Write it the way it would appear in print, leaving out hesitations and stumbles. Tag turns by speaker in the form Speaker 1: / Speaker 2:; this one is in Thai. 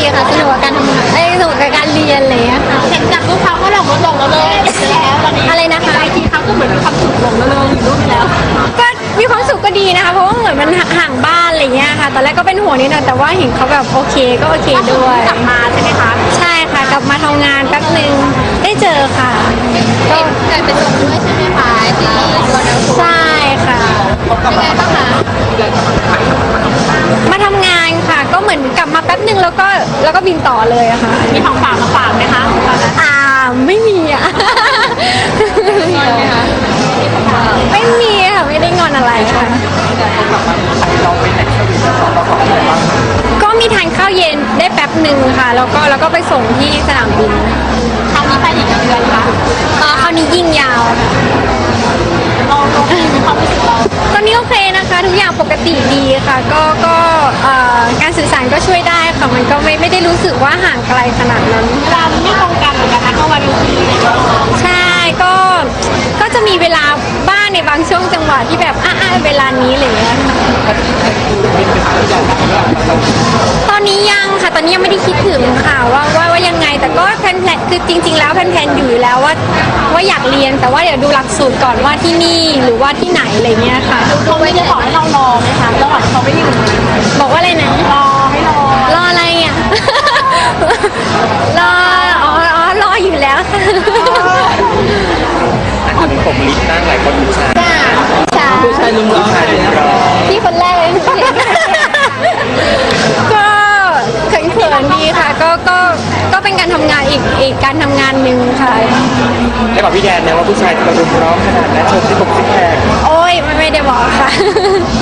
Speaker 1: ค่ะสนุกกับการทำงานสนุกกับการเรียนอะไรอย่างเงี้ยค่ะ
Speaker 2: เห็นจากรูปเขาก็หลงลงแล้วเลยแล้วตอนนี้
Speaker 1: อะไรนะคะ
Speaker 2: ไอจีเขาก็เหมือนมีความสุขหลงแล้วเลยอยู่รูปไปแล้ว
Speaker 1: ก็มีความสุขก็ดีนะคะเพราะว่าเหมือนมันห่างบ้านอะไรเงี้ยค่ะตอนแรกก็เป็นห่วงนิดหน่อยแต่ว่าเห็นเขาแบบโอเคก็โอเคด้วย
Speaker 2: กลับมาใช่ไหมคะ
Speaker 1: ใช่ค่ะกลับมาทำงานแป๊บนึงได้เจอค่ะก็
Speaker 2: เกิดเป็นส่งด้วยใช่ไหมคะที่วันนั้น
Speaker 1: ใช่ค่ะ
Speaker 2: ยังไงบ้างคะ
Speaker 1: มาทำงานค่ะก็เหมือนกลับมาแป๊บนึงแล้วก็บินต่อเลยอะค่ะ
Speaker 2: มีของฝากมาฝากไหมคะตอนนั้น
Speaker 1: ไม่มีอะไม่มีค่ะไม่ได้งอนอะไรค่ะก็มีทานข้าวเย็นได้แป๊บหนึ่งค่ะแล้วก็ไปส่งที่สนามบิน
Speaker 2: ครั้งนี้ไปอีกกี่เดือนคะ
Speaker 1: คราวนี้ยิ่งยาวค่ะ
Speaker 2: เราโอเคมีความรู้สึกเรา
Speaker 1: ตอนนี้โอเคนะคะทุกอย่างปกติดีค่ะก็การสื่อสารก็ช่วยได้ค่ะมันก็ไม่ได้รู้สึกว่าห่างไกลขนาดนั้น
Speaker 2: เวลาไม่ตรงกันเหมือนกันนะก็วันนี้
Speaker 1: ใช่ก็จะมีเวลาบ้างในบางช่วงจังหวะที่แบบเวลานี้อะไรอย่างเงี้ยค่ะตอนนี้ยังค่ะตอนนี้ยังไม่ได้คิดถึงค่ะว่ายังไงแต่ก็แพลนคือจริง ๆ แล้วแพลนอยู่แล้วว่าอยากเรียนแต่ว่าเดี๋ยวดูหลักสูตรก่อนว่าที่นี่หรือว่าที่ไหนอะไรเงี้ยค่ะ
Speaker 2: เขาไม่ได้บอกให้เรารอไหมคะระหว่างเขาไม่อยู่
Speaker 1: บอกว่าอะไรนะ
Speaker 2: รอให้รอ
Speaker 1: รออะไรอ่ะ รอรออยู่แล้วค่ะ
Speaker 3: อันนี้ผมลิสต์นั่งหลายคนผู้ชาย
Speaker 1: จ้า
Speaker 3: ผู้ชายลุมล้อมอะไรนะ
Speaker 1: พี่คนแรกเลยก็เขินๆดีค่ะก็เป็นการทำงานอีกการทำงานหนึ่งค่ะ
Speaker 3: ได้บอกพี่แดนนะว่าผู้ชายจะมารุมล้อมขนาดนั้นโชว์ที่ผมซิกแพค
Speaker 1: โอ้ยไม่ได้บอกค่ะ